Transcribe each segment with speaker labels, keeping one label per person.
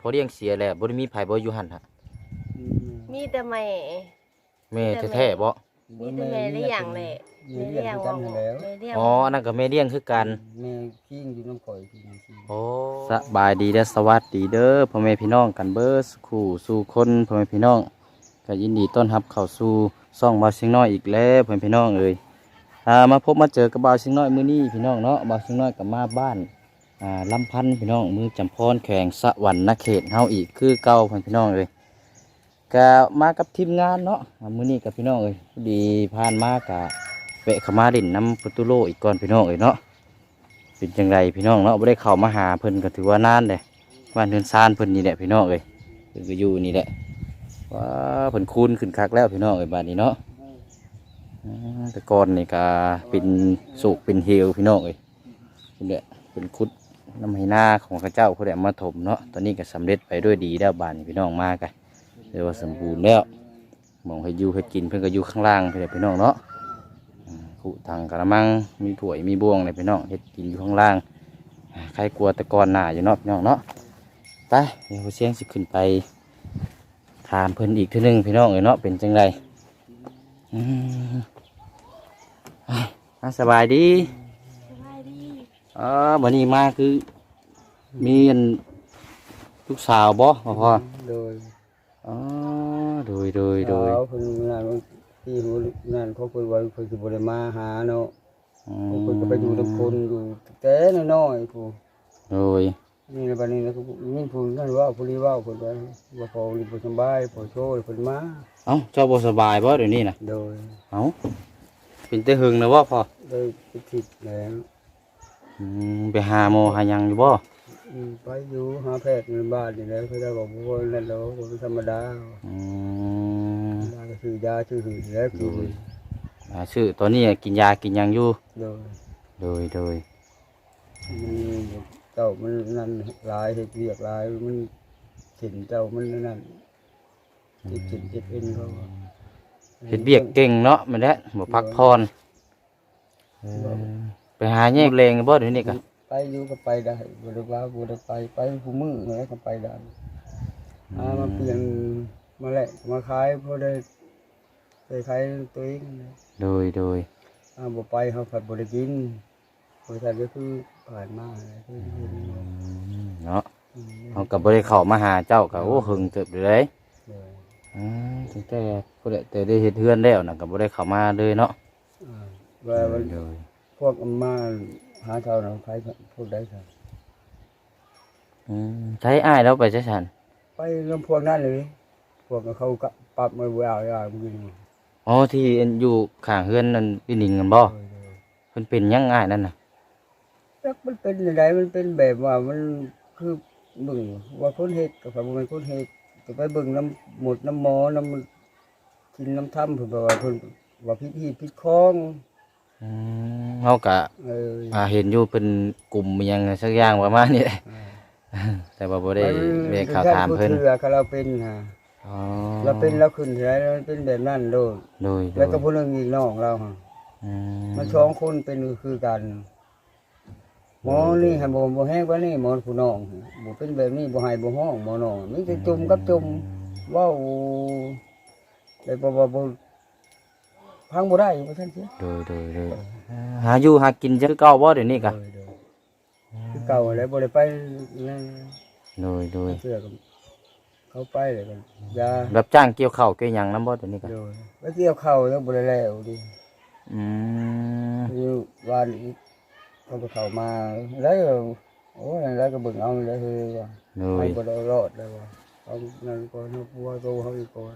Speaker 1: พอเลี้ยงเสียแล้วบ่ได้มีไผบ่อยู่หั่นฮะ
Speaker 2: มีแต่แม่
Speaker 1: แม่แท้ๆบ่
Speaker 2: มีแต่แม่เลี้ยงแหละแม่เลี้ยงว่าแม่เลี้ยง
Speaker 1: อ๋ออันนั้นก็แม่เลี้ยงคือกัน
Speaker 3: แม่ขี้งอยู่น้ำข่อยพี่น้องขี้
Speaker 1: โอ้สบายดีเด้อสวัสดีเด้อพ่อแม่พี่น้องกันเบิดคู่สู่คนพ่อแม่พี่น้องก็ยินดีต้อนรับเข้าสู่ช่องบ่าวเสียงน้อยอีกแล้วพ่อแม่พี่น้องเอ้ยมาพบมาเจอกับบ่าวเสียงน้อยมื้อนี้พี่น้องเนาะบ่าวเสียงน้อยก็มาบ้านลำพันธ์พี่น้องมือจำพรแขวงสะหวรรณเขตเฮาอีกคือเก่าพ่อแม่พี่น้องเอ้ยก็มากับทีมงานเนาะมื้อนี้กับพี่น้องเอ้ยพอดีผ่านมากะแวะเข้ามาเล่นน้ำประตูโลอีกก่อนพี่น้องเอ้ยเนาะเป็นจังไรพี่น้องเนาะบ่ได้เข้ามาหาเพิ่นก็ถือว่านานเลยบ้านเฮือนซานเพิ่นนี่แหละพี่น้องเอ้ยเพิ่นก็อยู่นี่แหละว้าเพิ่นคูนขึ้นคักแล้วพี่น้องเอ้ยบ้านนี้เนาะแต่ก่อนนี่ก็เป็นสุกเป็นเฮวพี่น้องเอ้ยนี่แหละเป็นคุดน้ำไหนาของข้าเจ้าเขาได้มาถมเนาะตอนนี้ก็สำเร็จไปด้วยดีแล้วบ้านนี้พี่น้องมากันเรียกว่าสมบูรณ์แล้วมองให้อยู่ให้กินเพิ่นก็อยู่ข้างล่างพี่น้องเนาะขุถังกระมังมีถ้วยมีบ่วงเลยพี่น้องเฮ็ดกินอยู่ข้างล่างใครกลัวตะกอนหน้าอยู่เนาะพี่น้องเนาะไปเดี๋ยวเสียงสิขึ้นไปถามเพิ่นอีกทีนึงพี่น้องเนาะเป็นจังไรสบายดี
Speaker 2: สบายดี
Speaker 1: วันนี้มาคือมีลูกสาวบ่พ่อ
Speaker 3: โดย
Speaker 1: อ๋อโดย
Speaker 3: เขาเพิ่นงานที่หูงานเขาเพิ่นว่าเพิ่นสิบ่ได้มาหาเนาะเพิ่นก็ไปอยู่นำคนอยู่แต่น้อยๆผู้
Speaker 1: โดย
Speaker 3: นี่ในบัดนี้นะคือมีผู้นั่นว่าผู้นี้ว่าเพิ่นว่าพอนี่บ่สบายพอโชว์เพิ่นมา
Speaker 1: เอ้าเจ้าบ่สบายบ่เดี๋ยวนี้นะ
Speaker 3: โดย
Speaker 1: เอ้าเป็นแต่หึงนะบ่พ่อ
Speaker 3: ได้ไปผิดแล้ว
Speaker 1: ไปหาหมอหาหยังอยู่บ่
Speaker 3: ไปอยู่หาแพทย์ในบ้านนี่แหล้วเขาได้บอกว่านั่นแล้วบ่ธรรมดา
Speaker 1: อืม
Speaker 3: ยาก็คือยาชื่อหือแล้วคือ
Speaker 1: ชื่อตอนนี้กินยากินหยังอยู่
Speaker 3: โดย
Speaker 1: โดย
Speaker 3: มันเจ้ามันนั่นหลายเฮ็ดเวียกหลายมันเห็นเจ้ามันนั่นเจ็บเอ็นเขา
Speaker 1: เฮ็ดเวียกเก่งเนาะแม่นแหละบ่พักผ่อนไปหาแยกเลงบ่เดี๋ยวนี้ก็
Speaker 3: ไปอยู่ก็ไปได้บ่ได้ว่าบ่ได้ไปผู้มือแล้วก็ไปได้มาเปลี่ยนมาแหละมาขายพอได้ไปขายตัวเอง
Speaker 1: โดย
Speaker 3: บ่ไปเฮาผัดบ่ได้กินบริษัทก็คือผ่านมาคือ
Speaker 1: เนาะเฮาก็บ่ได้เข้ามาหาเจ้าก็โอ้หึงเติบอยู่เลยตั้งแต่ผู้ใดแต่ได้เฮ็ดเฮือนแล้วน่ะก็บ่ได้เข้ามาเลยเนาะ
Speaker 3: ว่า
Speaker 1: โดย
Speaker 3: พวกอามาหาเท่านั้นใครพวกใดครับ
Speaker 1: ใช้อ้ายแล้วไปใช้ฉัน
Speaker 3: ไปลำพวกนั้นเลยพวกเขาก็ปรับมาว่ามึง
Speaker 1: อ๋อที่อยู่ข้างเฮือนนั่นพี่หนิงกันบ่เพิ่นเป็นยังอ้ายนั่นน่ะ
Speaker 3: แล้วมันเป็นยังไงมันเป็นแบบว่ามันคือเบิ่งว่าคนเฮ็ดกับมันคนเฮ็ดก็ไปเบิ่งน้ำหมดน้ำหมอน้ำกินน้ำถ้ำเพิ่นว่าเพิ่นว่าพิษคล้อง
Speaker 1: เฮาก็เห็นอยู่เป็นกลุ่มอิหยังสักอย่างประมาณนี้แหละแต่ว่าบ่ได้ไปข่าวถามเพิ่น
Speaker 3: คือเราเป็นฮะ
Speaker 1: อ๋อ
Speaker 3: เราเป็นเราขึ้นที่ไหนเราเป็นแบบนั้นโดย
Speaker 1: โดย
Speaker 3: แล้วก็ผู้นึงอีกน้องเราฮะมันสองคนเป็นคือกันหมอนี่ให้บ่แห้งกว่านี่หมอผู้น้องบ่เป็นแบบนี้บ่ให้บ่ห้องหมอน้องมีแต่จุ่มกับจุ่มว้าวได้บ่พังบ่ได้ว่าซั่นสิ
Speaker 1: โดยหาอยู่หากินจังเก่าบ่เดี๋ยวนี้ก็
Speaker 3: คือเก่าแล้วบ่ได้ไปนั่น
Speaker 1: โดย
Speaker 3: เชื่อกันเขาไปเลยกันยา
Speaker 1: รับจ้างเกี่ยวข้าวเกี่ยวหยังนำบ่เดี๋ยวนี้ก็
Speaker 3: โดยไปเกี่ยวข้าวแล้วบ่ได้แล้วดิ อยู่บ้านอีกเขาก็เข้ามาแล้วโอ้ยแล้วก็เบิ่งเอาแล้วคือว่า
Speaker 1: โด
Speaker 3: เขา
Speaker 1: ย
Speaker 3: บ่ได้รอดเลยว่าเอานั่นก่อนเอาปัวโตเขาอีกก่อน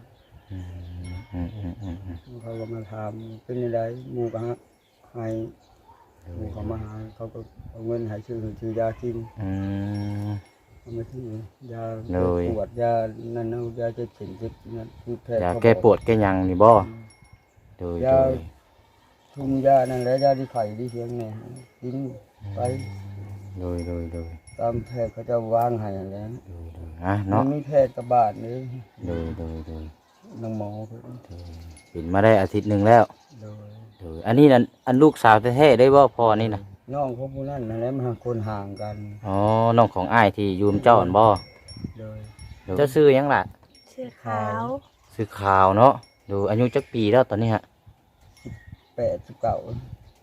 Speaker 3: เขาก็มาถามเป็นยังไงหมู่ก็ให้หมู่เขามาหาเขาก็เอาเงินให้ซื้อยากินเอามาซื้อยาปวดยานั่นเอายาเจ็บเข็มเจ็บนั่นคือแพทย์
Speaker 1: ยาแก้ปวดแก้หยังนี่บ่โดย
Speaker 3: ทุ่มยานั่นแหละยาที่ไข่ที่เสียงเนี่ยกินไป
Speaker 1: โดย
Speaker 3: ตามแพทย์เขาจะวางให้แล้ว
Speaker 1: เนาะ
Speaker 3: มีแพทย์กระบาดนี่
Speaker 1: โดย
Speaker 3: น้องหมอเพิ่น
Speaker 1: เป็นมาได้อาทิตย์หนึงแล้ว
Speaker 3: โดย
Speaker 1: โดยอันนี้นั่นอันลูกสาวแท้ๆได้บ่พ่อนี่น่ะ
Speaker 3: น้องของผู้นั้นนั่นแหละมันคนห่างกัน
Speaker 1: อ๋อน้องของอ้ายที่อยู่นำเจ้าอันบ่
Speaker 3: โดย
Speaker 1: เจ้าซื้อหยังล่ะ
Speaker 2: ชื่อขาว
Speaker 1: ซื้อขาวเนาะดูอายุจักปีแล้วตอนนี้ฮะ
Speaker 3: 89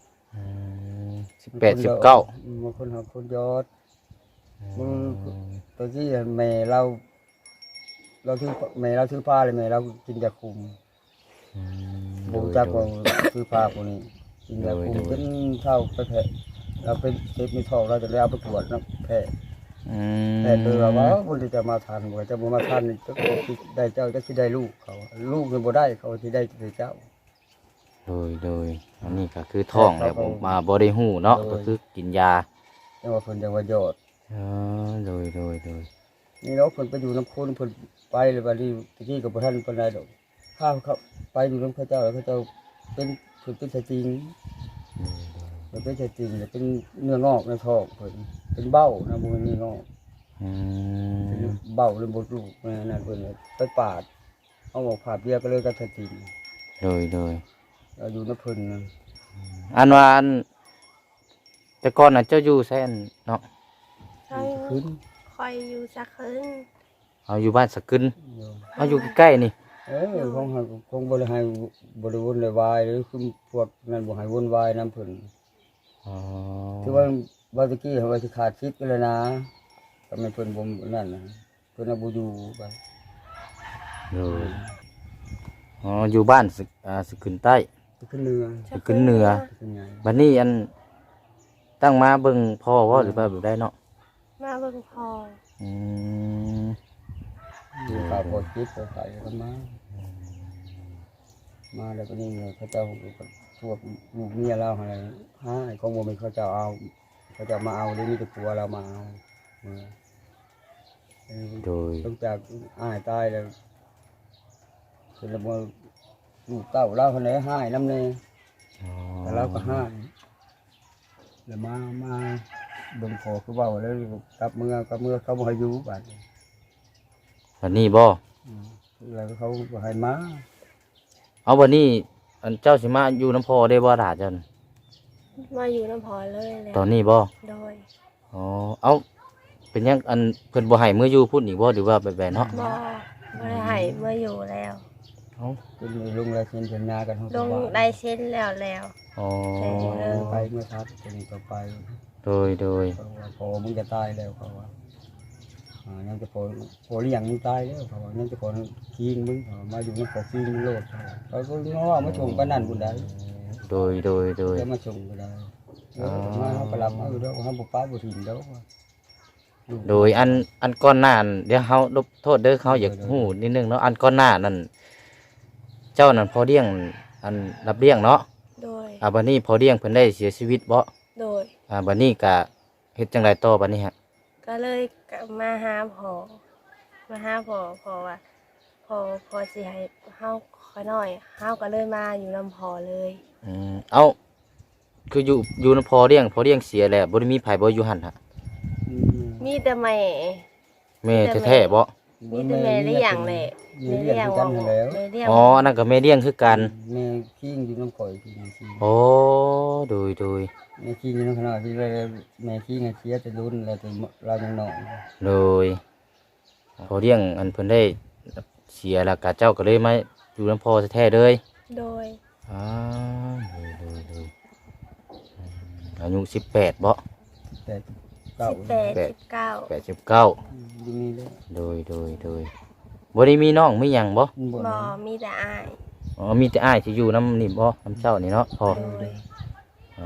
Speaker 1: 18 19
Speaker 3: บางคนหาคนยอดมึงตอนที่แม่เราถือแม่เราถือผ้าเลยแม่เรากินยาคุมบูจักว่าถือผ้าพวกนี้กินยาคุมจนเท่าไปแผลเราเป็นเจ็บมีท้องเราจะเอาไปตรวจนะแผลแต่ตัวว่าคนที่จะมาทานบ่จะมาทานจะได้เจ้าจะสิได้ลูกเขาลูกมันบ่ได้เขาที่ได้เจ้า
Speaker 1: โดยอันนี้ก็คือท้องแล้วมาบ่ได้ฮู้เนาะก็คือกินยา
Speaker 3: จังว่าเพิ่นจังว่ายอด
Speaker 1: โดย
Speaker 3: นี่เนาะเพิ่นไปอยู่น้ำคนเพิ่นไปเลยบัดนี้ตะกี้ก็บ่ทันปานใดดอกข้าวเขาไปอยู่น้ำเขาเจ้าแล้วเขาเจ้าเป็นเพิ่นเป็นชายจริงเพิ่นเป็นชายจริงแล้วเป็นเนื้องอกในท้องเพิ่นเป็นเบ้านะบ่แม่นเนื้องอกเป็นเบ้าหรือบ่ลูกนั่นเพิ่นไปปาดเอาออกผาดเบี้ยก็เลยก็ชายจริง
Speaker 1: โดย
Speaker 3: เราอยู่น้ำเพิ่นนะ
Speaker 1: อันว่าอันแต่ก่อนน่ะเจ้าอยู่ไสอันเนาะ
Speaker 2: คอย
Speaker 3: ขึ้น
Speaker 2: คอยอยู่สักคืน
Speaker 1: เอาอยู่บ้านสกึน
Speaker 3: อยู่
Speaker 1: เอาอยู่ใกล้ๆนี่
Speaker 3: คงบ่ได้ให้บ่ได้วุ่นวายหรือคือพวกนั้นบ่ให้วุ่นวายนํเพิ่น
Speaker 1: อ๋อ
Speaker 3: คือว่าบางตะกี้เขาว่าสิขาดชิดกันเลยนะก็ไม่เพิ่นบ่นั่นนะเพิ่นเอาบ่อยู่ไป
Speaker 1: โดยอ๋ออยู่บ้านสกึนใต้
Speaker 3: ขึ้นเรือ
Speaker 1: สกึนเหนือ
Speaker 3: ขึ้นไง
Speaker 1: บัดนี้อันตั้งมาเบิ่งพ่อว่าหรือว่าแบบได้เนาะ
Speaker 2: มาเบิ่งพอ
Speaker 1: อืม
Speaker 3: อยู่ข่าวพอจิตไปใส่กันมาแล้วก็นี่ไงเขาเจ้าพวกลูกเมียเราอะไรหาไอ้ของบ่มีเขาเจ้าเอาเขาเจ้ามาเอาหรือมีแต่ผัวเรามาเอา
Speaker 1: โดย
Speaker 3: ตั้งจากอ้ายตายแล้วคือแล้วบ่ลูกเต้าเราคนไหนหายนำแน่
Speaker 1: อ๋อ
Speaker 3: แต่เราก็ห้ามแล้วมาเบิ่งขอคือเว่าแล้วกลับเมื่อเขาบ่ให้อยู่บัดนี้
Speaker 1: บัดนี้บ่
Speaker 3: แล้วเขาบ่ให้มา
Speaker 1: เอาบัดนี้อันเจ้าสิมาอยู่น้ำพ่อได้บ่ล่ะเจ้าน่ะ
Speaker 2: มาอยู่น้ำพอเลยแหละ
Speaker 1: ตอนนี้บ่
Speaker 2: โดย
Speaker 1: อ๋อเอาเป็นหยังอันเพิ่นบ่ให้มื้ออยู่พุ่นอีกบ่หรือว่าแบบๆเนาะ
Speaker 2: บ่ได้ให้เมื่ออยู่แล้ว
Speaker 1: เอ้า
Speaker 3: เป็นลุงแล้วเซ็นสัญญากัน
Speaker 2: ลงได้เส้นแล้ว
Speaker 1: อ๋อ
Speaker 3: ไปเมื่อทัดเป็นก็ไป
Speaker 1: โดย
Speaker 3: เขาว่าพอมึงจะตายแล้วเขาว่ายังจะพอเลี้ยงมึงตายแล้วเขาว่ายังจะพอคิงมึงเขาว่ามาอยู่มันขอคิงมึงโลดเขาก็ง้อมาชงกันนั่นบุญได้
Speaker 1: โดย
Speaker 3: จะมาชงก็ได้มาเขาก็รับเอาอยู่แล้วเขาบุป้าบุถิ่นแล้ว
Speaker 1: โดยอันก่อนหน้านั้นเดี๋ยวเฮาลบโทษเด้อเขาอยากฮู้นิดนึงเนาะอันก่อนหน้านั้นเจ้านั่นพอเลี้ยงอันรับเลี้ยงเนาะ
Speaker 2: โดย
Speaker 1: บัดนี้พอเลี้ยงเพิ่นได้เสียชีวิตบ่
Speaker 2: โดย
Speaker 1: บัดนี้ก็เฮ็ดจังไดต่อบัดนี้ฮะ
Speaker 2: ก็เลยกลับมาหาพ่อพอว่าพอสิให้เฮาขอหน่อยเฮาก็เลยมาอยู่ลำพอเลย
Speaker 1: เอาคืออยู่นำพอเลี้ยงเสียแล้วบ่ได้มีไผบ่อยู่หั่นฮะ
Speaker 2: มีแต่แม่
Speaker 1: แม่แท้ๆบ่
Speaker 2: มีแต่แม่ได้อย่างแหละแม่เลี้ยงว่าแม่เลี้ยง
Speaker 1: อ๋ออันนั้นก็แม่เลี้ยงคือกัน
Speaker 3: แม่ขี้อยู่น้ำข่อยขี้ขี้
Speaker 1: โอ้โดย
Speaker 3: แม่ขี้อยู่น้ำขนาดที่แม่ขี้ไงเชียจะรุนแล้วแต่เรายังหน่อย
Speaker 1: โดยพอเลี้ยงอันเพิ่นได้เสียแล้วก็เจ้าก็เลยมาอยู่นำพอแท้ๆเลย
Speaker 2: โดย
Speaker 1: อ๋อโดยอายุ18บ่
Speaker 3: แต่เก่า
Speaker 2: 18 19
Speaker 1: 89
Speaker 3: ดีนี่เลย
Speaker 1: โดยบ่ได้มีน้องมีหยังบ่
Speaker 2: บ่มีแต่อ้าย
Speaker 1: อ๋อมีแต่อ้ายที่อยู่น้ำนี่บ่น้ำเจ้านี่เนาะพอ
Speaker 2: โดย
Speaker 1: อ๋อ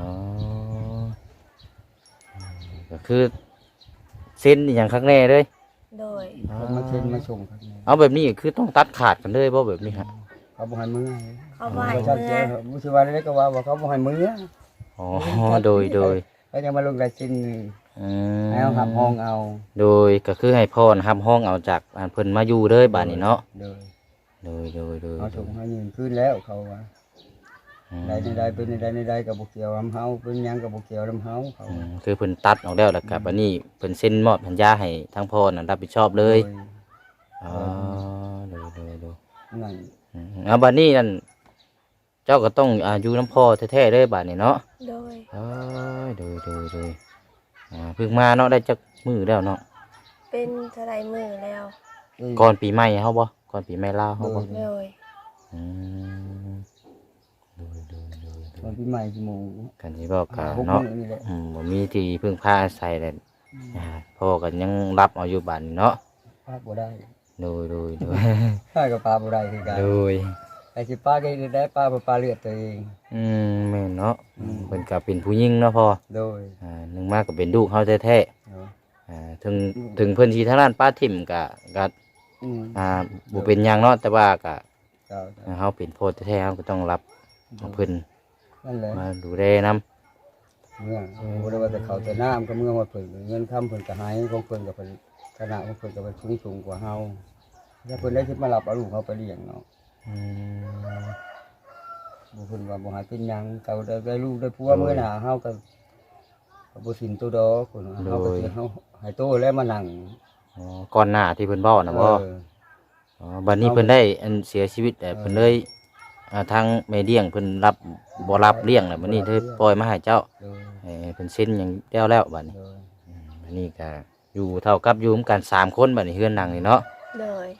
Speaker 1: ก็คือเส้นอหย่างข้างแน่เลย
Speaker 2: โดย
Speaker 3: มาเช่นมาส่งครับ
Speaker 1: เอาแบบนี้คือต้องตัดขาดกันเลยบ่แบบนี้ฮะ
Speaker 3: เขาบอกให้มือ
Speaker 2: เขาบ่ให้
Speaker 3: เขา
Speaker 2: เมื่
Speaker 3: เจ้า
Speaker 2: อ
Speaker 3: มุสิวาได้ก็ว่าเขาบอกให้มือ
Speaker 1: อ๋อโดย
Speaker 3: เขาจะมาลงรายชิ้น
Speaker 1: อืม
Speaker 3: ให้เอาหับห้องเอา
Speaker 1: โดยก็คือให้พ่อนะครับห้องเอาจากอันเพิ่นมาอยู่เลยบ้านนี้เนาะ
Speaker 3: โดย
Speaker 1: โดย
Speaker 3: เขาส่งให้ยืนขึ้นแล้วเขาว่า
Speaker 1: อืม
Speaker 3: ใดเป็นใดกับบุกเกี่ยวลำเฮาเป็นยังกับบุกเกี่ยวลำเฮาเขา
Speaker 1: คือเพิ่นตัดออกแล้วแล้วกับอันนี้เพิ่นเซ็นมอบสัญญาให้ทั้งพ่อน่ะรับผิดชอบเลยอ๋อโดย
Speaker 3: นั่น
Speaker 1: เอาบัดนี้นั่นเจ้าก็ต้องอยู่น้ำพ่อแท้ๆเลยบัดนี้เนาะ
Speaker 2: โดย
Speaker 1: โดยเพิ่งมาเนาะได้จักมือแล้วเนาะ
Speaker 2: เป็นเท่าไรมือแล้ว
Speaker 1: ก่อนปีใหม่เฮาบ่ก่อนปีใหม่ลาวเฮาบ่
Speaker 2: โดย
Speaker 1: อืมโดย
Speaker 3: ตอนปีใหม่กี่โมง
Speaker 1: กันที่บอกกะ
Speaker 3: 6
Speaker 1: เนาะ
Speaker 3: มื้อนี่แหละ
Speaker 1: บ่มีที่พึ่งพาอาศัยเลยพ่อก็ยังรับเอาอยู่บ้านเนาะ
Speaker 3: ปาบ่ได้
Speaker 1: โดย
Speaker 3: ใช่ก็ปาบ่ได้คือกัน
Speaker 1: โดย
Speaker 3: ไอ้สิปาก็ได้ปาบ่ปาเลือดตัวเอง
Speaker 1: แม่นเนาะเพิ่นก็เป็นผู้หญิงเนาะพ่อ
Speaker 3: โดย
Speaker 1: หนึงมาก็เป็นลูกเฮาแท้
Speaker 3: เนาะ
Speaker 1: ๆถึงเพิ่นสิทางด้านป้าทิ่มก็
Speaker 3: อืม
Speaker 1: บ่เป็นหยังเนาะแต่ว่าก็
Speaker 3: เจ้า
Speaker 1: เฮาเป็นพ่อแท้ๆเฮาก็ต้องรับเอาเพิ่น
Speaker 3: นั่นแหละ
Speaker 1: มาดูแลนำ
Speaker 3: เมื่อบ่ได้ว่าแต่เขาแต่น้ำก็เมื่อว่าเพิ่นเงินคำเพิ่นก็หายของเพิ่นก็เพิ่นคณะของเพิ่นก็เป็นสูงกว่าเฮาถ้าเพิ่นได้คิดมารับเอาลูกเฮาไปเลี้ยงเนาะบ่เพิ่นว่าบ่หาเป็นหยังเขาได้ลูกได้ผัวมื้อหน้าเฮาก็บ่สินตัวดอกคนเฮาก็สิเฮาให้โตแล้วมานั่ง
Speaker 1: ก่อนหน้าที่เพิ่นเว้าน่ะบ่ บัดนี้เพิ่นได้อันเสียชีวิตแต่เพิ่นเลยทางแม่เลี้ยงเพิ่นรับบ่รับเลี้ยงแล้วบัดนี้เลยปล่อยมาให้เจ้า
Speaker 3: โดย
Speaker 1: เพิ่นเซ็นหยังแล้วบัดนี้
Speaker 3: โดย
Speaker 1: อันนี้ก็อยู่เท่ากับอยู่ร่วมกัน3คนบัดนี้เฮือนหลังนี่เนาะ
Speaker 2: โดย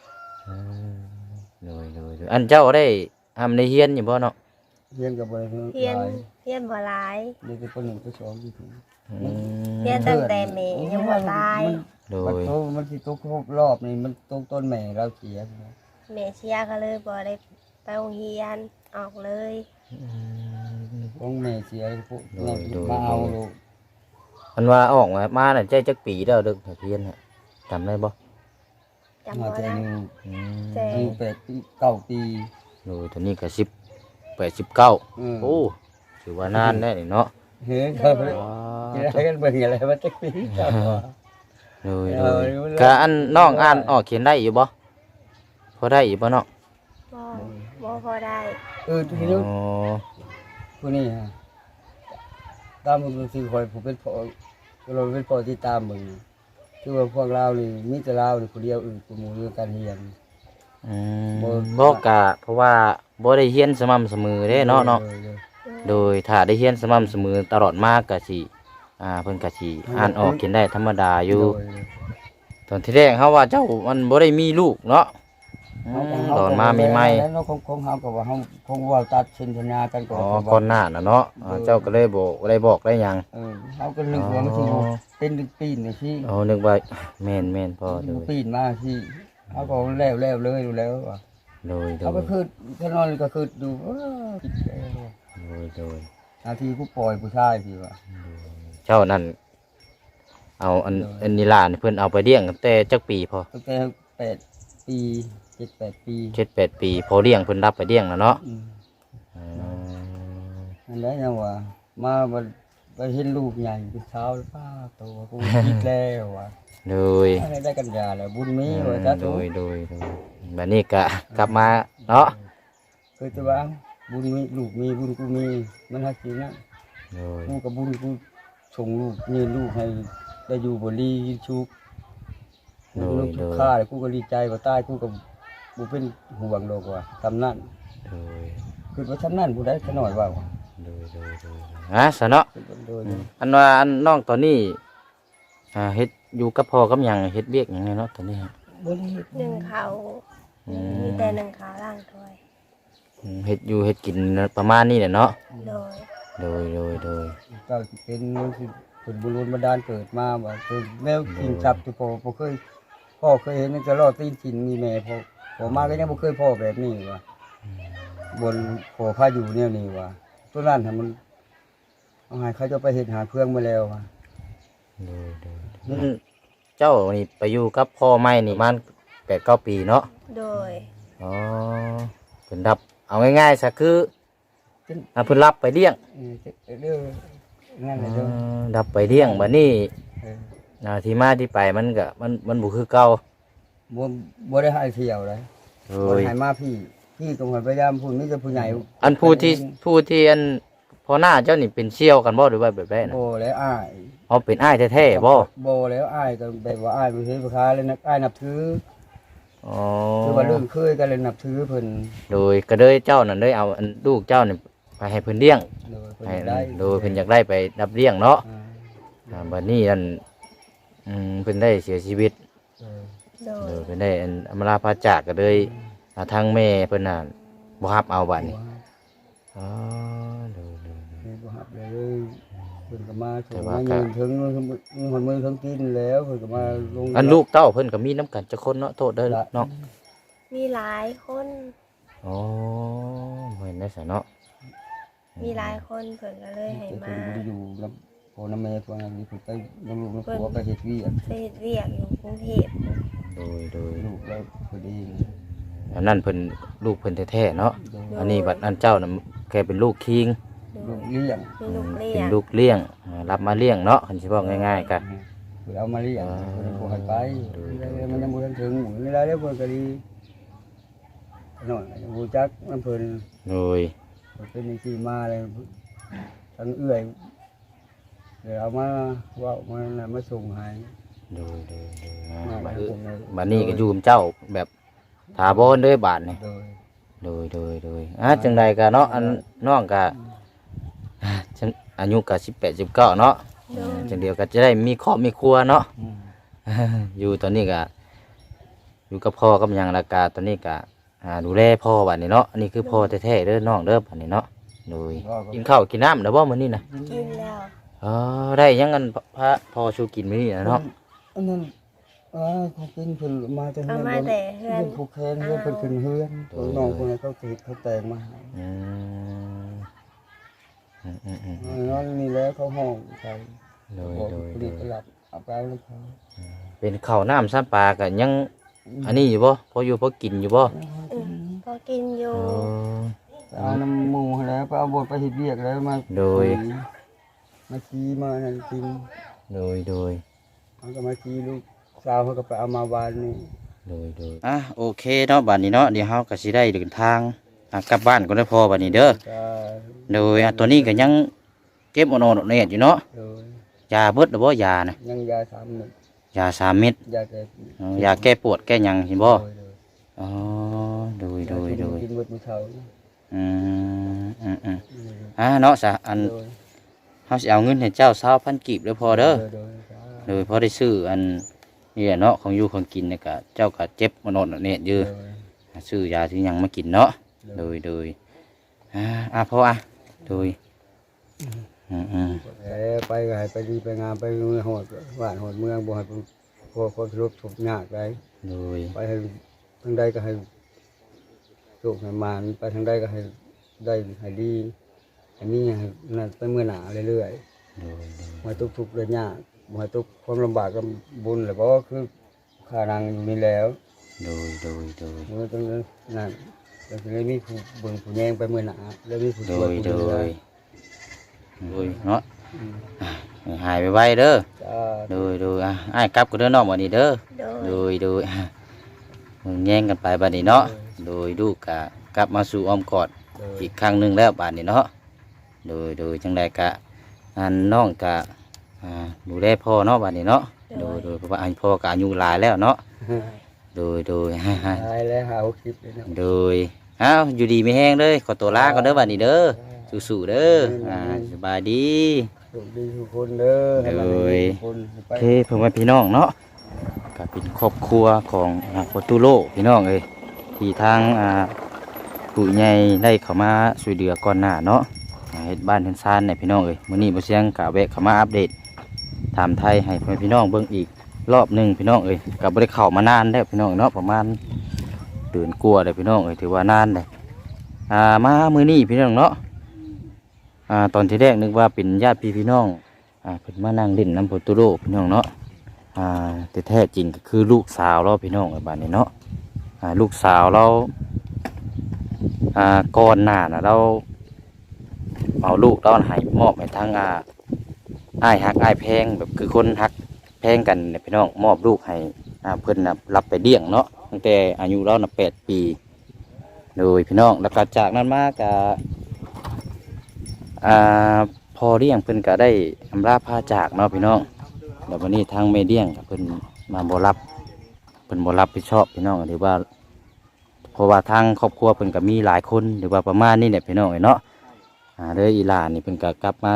Speaker 1: โดยอันเจ้าได้ทำในเฮียนอยู่บ่เนาะ
Speaker 3: เรียนก็บ่ได้
Speaker 2: เฮียนเฮียนบ่หลาย
Speaker 3: นี่คือคนหนึ่งคนสองอยู่ถึง
Speaker 2: เฮียนตั้งแต่แม่ยังบ่ตาย
Speaker 1: โด
Speaker 3: มัน
Speaker 1: ย
Speaker 3: โตมันสิตกครบรอบนี่มันตกต้นแม่เราเสีย
Speaker 2: แม่เชียก็เลยบ่ได้ไปโรงเรียนออกเลย
Speaker 3: ของแม่เสียพวกแม่มาเอาลูก
Speaker 1: อันว่าออกมาน่ะใจจักปีแล้วเด้อเฮียนน่ะจำได้บ่
Speaker 2: จำ
Speaker 3: มา
Speaker 2: บ่
Speaker 3: แต่
Speaker 2: ได้
Speaker 3: หนึ่ง
Speaker 2: แต่
Speaker 3: อายุ8 ปี 9 ปี
Speaker 1: โดยตอนนี้ก็19
Speaker 3: อืม
Speaker 1: โอ้ถือว่านานได้นี่เนาะ
Speaker 3: เฮ้ยเขาจะกันเบิ่งอะไรมาจักปีจ้า
Speaker 1: โดยก็อันน้องอ่านออกเขียนได้อยู่บ่พอได้อยู่บ่เนาะ
Speaker 2: บ่พอได้
Speaker 3: ทีนี้ผู้นี้ฮะตามมึงคือคอยผู้เป็นพ่อเราเป็นพ่อที่ตามมึงคือว่าพวกเรานี่มีแต่เรานี่ผู้เดียวกูหมู่เรื่องการเรียน
Speaker 1: บ่กะเพราะว่าบ่ได้เรียนสม่ำเสมอเด้เนาะโดยถ้าได้เรียนสม่ำเสมอตลอดมาก็สิเพิ่นก็สิอ่านออกเขียนได้ธรรมดาอยู่ตอนที่แรกเฮาว่าเจ้ามันบ่ได้มีลูกเนาะตอนมาใหม่ๆ
Speaker 3: แล้วเราคงเฮาก็ว่าเฮาคงว่าตัดสินสัญญากันก่อน
Speaker 1: ก่อนหน้าน่ะเนาะเจ้าก็เลยบอกได้หยัง
Speaker 3: เฮาก็นึกว่ามันสิเป็นปีนนี่สิ
Speaker 1: นึกว่าแม่นพอเลย
Speaker 3: ปีนมาสิเฮาก็แล้วเลยดูแล้วว่า
Speaker 1: โดย
Speaker 3: เขาก็คือถ้านอนก็คือดูคิดแล้ว
Speaker 1: โดย
Speaker 3: นาทีผู้ปล่อยผู้ชายสิว่า
Speaker 1: เจ้านั่นเอาอันนี้ล่ะเพิ่นเอาไปเลี้ยงตั้งแต่จักปีพอ
Speaker 3: ตั้งแต่8 ปี 7-8 ปี
Speaker 1: 7-8 ปีพอเลี้ยงเพิ่นรับไปเลี้ยงแล้วเนาะ
Speaker 3: นั่นแหละยังว่ามาไปเห็นลูกใหญ่เป็นสาวป้าโตกูคิดแล้วว่า
Speaker 1: โดย
Speaker 3: ได้กันยาแล้วบุญมีว่าจ้า
Speaker 1: โดยบัดนี้ก็กลับมาเนาะ
Speaker 3: คือจะว่าบุญมีลูกมีบุญกูมีมันฮักจริงนะ
Speaker 1: โดย
Speaker 3: กูกับบุญกูส่งลูกยืนลูกให้ได้อยู่บนลีชุกลูกชุกฆ่ากูก็ดีใจว่าตายกูกับกูเป็นห่วงโลกว่าทำนั่น
Speaker 1: โดย
Speaker 3: คือว่าทำนั่นกูได้ขน่อยว่า
Speaker 1: ซะเนาะ
Speaker 3: โดย
Speaker 1: อันว่าอันน้องตอนนี้เฮ็ดอยู่กับพ่อกับหยังเฮ็ดเวียกหยังไงเนาะตอนนี้ฮะ
Speaker 3: บุญ
Speaker 2: หนึ่งเขามีแต่หนึ่งเขาล่างถ้วย
Speaker 1: เฮ็ดอยู่เฮ็ดกินประมาณนี้แหละเนาะ
Speaker 2: โดย
Speaker 1: โดย
Speaker 3: ก็เป็นมันคือเป็นบุญบันดาลเกิดมาว่าคือแมวกินจับที่พ่อเคยเห็นจะรอดตีนกินมีแม่พ่อมาก็ยังบ่เคยพ่อแบบนี้ว่าบนพ่อพาอยู่เนี่ยนี่ว่าตัวนั้นให้มันเอาให้เขาจะไปเฮ็ดหาเครื่องมาแล้วว่า
Speaker 1: เจ้านี่ไปอยู่กับพ่อใหม่นี่มัน8-9 ปีเนาะ
Speaker 2: โดย
Speaker 1: อ๋อเพิ่นรับเอาง่ายๆซะคือเพิ่นรับไปเลี้ยง
Speaker 3: เด้อนั่นแหละเด้อ
Speaker 1: รับไปเลี้ยงบัดนี้
Speaker 3: เออ
Speaker 1: ที่มาที่ไปมันก็มันบ่คือเก่า
Speaker 3: บ่ได้ให้เที่ยวเลย
Speaker 1: โด
Speaker 3: บ่
Speaker 1: ย
Speaker 3: ได้ให้มาพี่ตรงพยายามพูดมีแต่ผู้ใหญ่
Speaker 1: อันผู้ที่อันพอหน้าเจ้านี่เป็นเชี่ยวกันบ่หรือว่าแบบใดน่ะ
Speaker 3: บ่แล้วอ้าย
Speaker 1: อ๋อเป็นอ้ายแท้ๆบ่
Speaker 3: บ่แล้วอ้ายก็แบบว่าอ้ายบ่เฮ็ดบ่ค้าเลยนะอ้ายนับถือ
Speaker 1: อ๋อ
Speaker 3: คือว่าเรื่องเคยกันเลยนับถือเพิ่น
Speaker 1: โดยก็เลยเจ้านั่นเลยเอาอันลูกเจ้านี่ไปให้เพิ่นเลี้ยง
Speaker 3: โดยเพิ่น
Speaker 1: ให้
Speaker 3: ได้
Speaker 1: โดยเพิ่นอยากได้ไปรับเลี้ยงเนาะ
Speaker 3: อ่า
Speaker 1: บัดนี้อันเพิ่นได้เสียชีวิต
Speaker 3: เออ
Speaker 2: โโดย
Speaker 1: เป็นได้อันอำลาพาจากก็เลยทางแม่เพิ่นน่ะบ่รับเอาบัดนี้อ๋อดู
Speaker 3: บ่ฮับเลยเพิ่นก็มาส่
Speaker 1: แต่
Speaker 3: ง
Speaker 1: ว่า
Speaker 3: มา
Speaker 1: ก็
Speaker 3: ยืนถึงหอนมือทั้งกินแล้วเพิ่นก็มาลง
Speaker 1: อันลูกเต้าเพิ่นก็มีน้ำกันจักคนเนาะโทษเด้อเนาะ
Speaker 2: มีหลายคน
Speaker 1: อ๋อบ่เห็นได้ซะเนาะ
Speaker 2: มีหลายคนเพิ่นก็เลยให้
Speaker 3: เพิ่น
Speaker 2: มา
Speaker 3: บ่ได้อยู่กับพ่อน้าแม่พวกนั้นนี่เพิ่นไปน้ำลูกน้ำผัวไปเฮ็ดเวียก
Speaker 2: ไปเฮ็ดเวียกอยู่กรุงเทพ
Speaker 1: โดย
Speaker 3: ลูกแล้วพอดี
Speaker 1: อันนั้นเพิ่นลูกเพิ่นแท้ๆเนาะอันนี้บัดอันเจ้าน่ะแค่เป็นลูกคิง
Speaker 2: โด
Speaker 3: ลู
Speaker 2: ย
Speaker 3: กเลี้ยง
Speaker 2: มีลูกเลี้
Speaker 1: เป็
Speaker 2: ย
Speaker 1: น
Speaker 2: ง
Speaker 1: ลูกเลี้ยงรับมาเลี้ยงเนาะคันสิบอกง่ายๆก็
Speaker 3: เพิ่นเอามาเลี้ยงเพิ่นบ่ให้ไป
Speaker 1: โดย
Speaker 3: แล้วมันยังบ่ทันถึงเวลาแล้วเพิ่นก็ดีน้อยยังบ่จักมันเพิ่น
Speaker 1: โดย
Speaker 3: เป็นที่มาเลยทั้งเอื้อยเดี๋ยวเอามาว่ามาน่ะมาส่งให้
Speaker 1: โดย
Speaker 3: มา
Speaker 1: บัด
Speaker 3: ให้ผมเลย
Speaker 1: บัดนี้ก็อยู่กับเจ้าแบบถาวรเด้อบาดนี่
Speaker 3: โดย
Speaker 1: โดยจังใดก็เนาะอันน้องก็จังอายุก็18 19เนาะ
Speaker 2: โดย
Speaker 1: จังเดียวก็จะได้มีครอบมีครัวเนาะ
Speaker 3: อืม
Speaker 1: อยู่ตอนนี้ก็อยู่กับพ่อกับหยังและกาตอนนี้ก็ดูแลพ่อบัดนี้เนาะอันนี้คือพ่อแท้ๆเด้อน้องเด้อบัดนี้เนาะโดยกินข้าวกินน้ำแล้วบ่มื้อนี้น่ะ
Speaker 2: กินแล้ว
Speaker 1: อ๋อได้ยังกันพระพ่อชูกินมื้อนี้น่ะเนาะ
Speaker 3: อันนั้นเขากินเพิ่นมาจาก
Speaker 2: เอามาแต่เฮือน
Speaker 3: ผูกแขนเฮือนเพิ่นขึ้นเฮือนน้องคนนั้นเขาติดเขาแต่งมาให้
Speaker 1: อืม
Speaker 3: นอนนี่แล้วเขาห้องใส่
Speaker 1: โดย
Speaker 3: บอก
Speaker 1: โดย
Speaker 3: ผลิตหลับเอาไปเอาน้ำเขา
Speaker 1: เป็นข้าวน้ำซ้ำปลาก็ยังอันนี้อยู่บ่พออยู่พอกินอยู่บ่
Speaker 2: พอกินอยู่
Speaker 1: อ๋อ
Speaker 3: เอาน้ำหมูให้แล้วไปเอาบทไปเฮ็ดเวียกแล้วมา
Speaker 1: โดย
Speaker 3: มาชี้มานั่นกิน
Speaker 1: โดย
Speaker 3: เขาก็มาชี้ลูกสาวเขาก็ไปเอามาวานนี่
Speaker 1: โอเคเนาะบัดนี้เนาะเดี๋ยวเฮาก็สิได้เดินทางกลับบ้านก่อนเด้อพ่อบัดนี้เด้อ
Speaker 3: ก็
Speaker 1: โดยตัวนี้ก็ยังเก็บอ่อนๆเนี่ยอยู่เนาะ
Speaker 3: โดย
Speaker 1: ยาเบิดหรือบ่ยานะ
Speaker 3: ยังยา3 เม็ด
Speaker 1: ยา3 เม็ด
Speaker 3: ยาแก้
Speaker 1: ยาแก้ปวดแก้หยังเห็นบ่
Speaker 3: โดย
Speaker 1: อ๋อโดย
Speaker 3: กินหมดมื้อเช้า
Speaker 1: อืมเนาะซะอัน
Speaker 3: โดย
Speaker 1: เฮาสิเอาเงินให้เจ้า20,000กีบเด้อพอเด้อ
Speaker 3: โดย
Speaker 1: โดยพอได้ซื้ออันนี่แหละเนาะของอยู่ของกินเนี่ยก็เจ้าก็เจ็บอ่อนๆเนี่ยอยู่ซื้อยาที่หยังมากินเนาะโดยพอโดย
Speaker 3: ไปก็ให้ไปดีไปงามไปเมืองโหดบ้านโหดเมืองบ่ให้พวกคนรบทุกข์ยากได้
Speaker 1: โดย
Speaker 3: ไปให้ทางใดก็ให้โชคให้มานไปทางใดก็ให้ได้ให้ดีอันนี้ให้นั่นไปเมื่อหนาเรื่อยๆมาทุกข์ๆเลยยากมาทุกข์ความลำบากก็บุญแหละเพราะว่าคือข้านางอยู่นี่แล้ว
Speaker 1: โดย
Speaker 3: เมื่อตรงนั้นนั่นแล้วก็เลยมีผู้เบิ่งผู้แยงไปเมื่อหนาแล้วมีผู้
Speaker 1: โด
Speaker 3: ช่วย
Speaker 1: ย
Speaker 3: ผู้
Speaker 1: โด
Speaker 3: ดูแล
Speaker 1: ยเนาะหายไปไวเด้อ
Speaker 3: จ้า
Speaker 1: โดยอ้ายกลับก็เด้อน้องบัดนี้เด้อ
Speaker 2: โดย
Speaker 1: โดยแย่งกันไปบัดนี้เนาะโดยลูกกะกลับมาสู่อ้อมกอดอีกครั้งหนึงแล้วบัดนี้เนาะโดยจังใดกะอันน้องกะดูแลพ่อเนาะบัดนี้เนาะโดยเพราะว่าอันพ่อกะอายุหลายแล้วเนาะโดย
Speaker 3: ตายแล้วหาคลิปเลยเนาะ
Speaker 1: โดยอยู่ดีไม่แห้งเลยขอตัวลาก่อนเด้อบัดนี้เด้อสู้ๆเด้อสบายดี
Speaker 3: โชคดีทุกคนเด้อให้มันดีทุกคนไป
Speaker 1: โอเคเพื่อนพี่น้องเนาะก็เป็นครอบครัวของโปรตุโลพี่น้องเอ้ยที่ทางผู้ใหญ่ได้เข้ามาช่วยเหลือก่อนหน้าเนาะเฮ็ดบ้านเฮ็ดซานเนี่ยพี่น้องเอ้ยมื้อนี้บ่เสียงกะแวะเข้ามาอัปเดตถามไทยให้เพื่อนพี่น้องเบิ่งอีกรอบหนึงพี่น้องเอ้ยก็บ่ได้เข้ามานานแล้วพี่น้องเนาะประมาณเดือนกว่าแล้วพี่น้องเอ้ยถือว่านานเลยมามื้อนี้พี่น้องเนาะตอนที่แรกนึกว่าเป็นญาติพี่น้องเพิ่นมานั่งเล่นน้ำโปรตุโลพี่น้องเนาะแต่แท้จริงก็คือลูกสาวเราพี่น้องไอ้บ้านนี้เนาะลูกสาวเราก่อนหน้าน่ะเราเอาลูกเราให้มอบให้ทางอ้ายฮักอ้ายแพงแบบคือคนฮักแพงกันเนี่ยพี่น้องมอบลูกให้เพิ่นน่ะรับไปเลี้ยงเนาะตั้งแต่อายุเราน่ะ8 ปีโดยพี่น้องแล้วก็จากนั้นมาก็พอเลี้ยงเพิ่นก็ได้อำลาพาจากเนาะพี่น้องแล้ววันนี้ทางแม่เลี้ยงก็เพิ่นมาบ่รับเพิ่นบ่รับผิดชอบพี่น้องหรือว่าเพราะว่าทางครอบครัวเพิ่นก็มีหลายคนหรือว่าประมาณนี้เนี่ยพี่น้องเนาะเลยอีหลานนี่เพิ่นก็กลับมา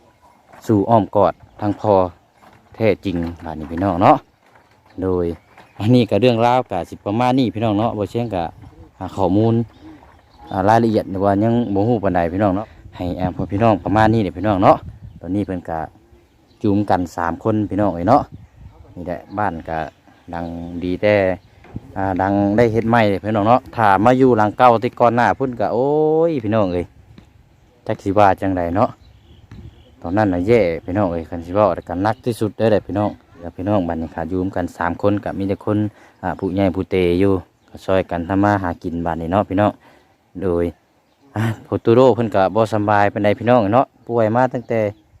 Speaker 1: สู่อ้อมกอดทางพ่อแท้จริงบ้านนี้พี่น้องเนาะโดยอันนี้ก็เรื่องราวก็สิประมาณนี้พี่น้องเนาะบ่เชียงก็หาข้อมูลรายละเอียดว่ายังบ่ฮู้ปานใดพี่น้องเนาะให้พวกพี่น้องประมาณนี้เด้อพี่น้องเนาะตอนนี้เพิ่นก็จุมกัน3คนพี่น้องเอ้ยเนาะนี่แหละบ้านก็ดังดีแต่ดังได้เฮ็ดใหม่พี่น้องเนาะถ้ามาอยู่หลังเก่าที่ก่อนหน้าพุ่นก็โอ้ยพี่น้องเอ้ยจักสิว่าจังไดเนาะตอนนั้นน่ะแย่พี่น้องเอ้ยคันสิเว้ากันหนักที่สุดเด้อพี่น้องแล้วพี่น้องบ้านนี้ขาอยู่กัน3คนก็มีแต่คนผู้ใหญ่ผู้เตอยู่ก็ช่วยกันทำมาหากินบ้านนี้เนาะพี่น้องโดยโพตูโรเพิ่นก็บ่สำบายปานใดพี่น้องเนาะป่วยมาตั้งแต่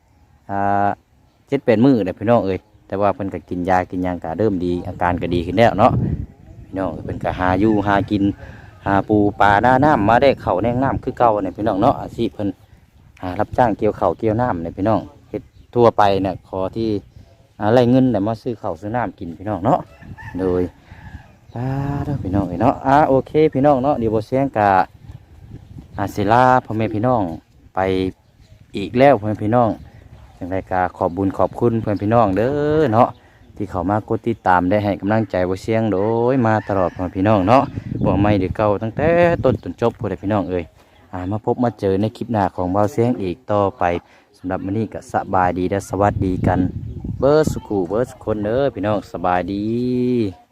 Speaker 1: 7-8 มื้อแล้วพี่น้องเอ้ยแต่ว่าเพิ่นก็กินยากินหยังก็เริ่มดีอาการก็ดีขึ้นแล้วเนาะพี่น้องเพิ่นก็หาอยู่หากินหาปูปลาหน้าน้ำมาได้เข้าวแนงน้ำคือเก่าเนี่ยพี่น้องเนาะอาชีพเพิ่นรับจ้างเกี่ยวข้าวเกี่ยวน้ำเนี่ยพี่น้องเฮ็ดทั่วไปเนี่ยขอที่อะไรเงินแต่มาซื้อข้าวซื้อน้ำกินพี่น้องเนาะโดยพี่น้องเนาะโอเคพี่น้องเนาะเดี๋ยวบ่เสียงกะศิลาพ่อแม่พี่น้องไปอีกแล้วพ่อแม่พี่น้องจังไดกะขอบบุญขอบคุณเพื่อนพี่น้องเด้อเนาะที่เขามากดติดตามได้ให้กำลังใจบ่เสียงโดยมาตลอดพ่อแม่พี่น้องเนาะบ่ไม่เดือเก่าตั้งแต่ต้นจนจบพ่อแม่พี่น้องเอ้ยมาพบมาเจอในคลิปหน้าของเบาเสียงอีกต่อไปสำหรับมื้อนี้ก็สบายดีและสวัสดีกันเบิร์สุขุเบิร์สุคนเด้อพี่น้องสบายดี